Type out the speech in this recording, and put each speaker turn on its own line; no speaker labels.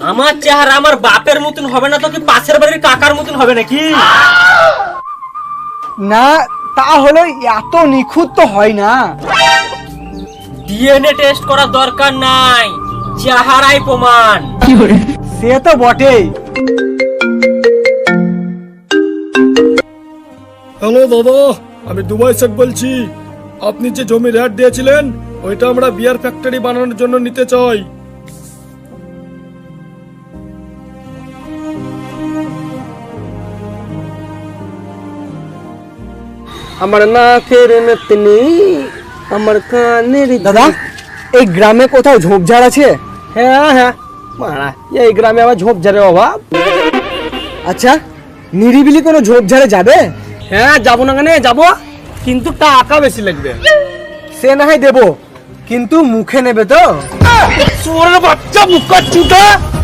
আমার চেহারা আমার বাপের মতন হবে না তো কি পাশের বাড়ির কাকার মতন হবে নাকি?
না তাহলে এত নিখুঁত তো হয় না।
ডিএনএ টেস্ট করার দরকার নাই, চেহারাই প্রমাণ।
সে তো বটেই।
হ্যালো দাদা, আমি দুবাই শেখ বলছি। আপনি যে জমি রেট দিয়েছিলেন ওইটা আমরা বিয়ার ফ্যাক্টরি বানানোর জন্য নিতে চাই।
আমার নাকের নতনি, আমার কানের
দাদা এই গ্রামে কোথাও ঝোপঝাড় আছে?
হ্যাঁ হ্যাঁ মারা, এই গ্রামে আবার ঝোপঝাড়ের অভাব?
আচ্ছা নিরিবিলি কোনো ঝোপঝাড়ে যাবে?
হ্যাঁ যাবো না কেন, যাবো, কিন্তু টাকা বেশি লাগবে।
সে না হয় দেবো, কিন্তু মুখে নেবে তো?
চোরের বাচ্চা, মুখ চুটা।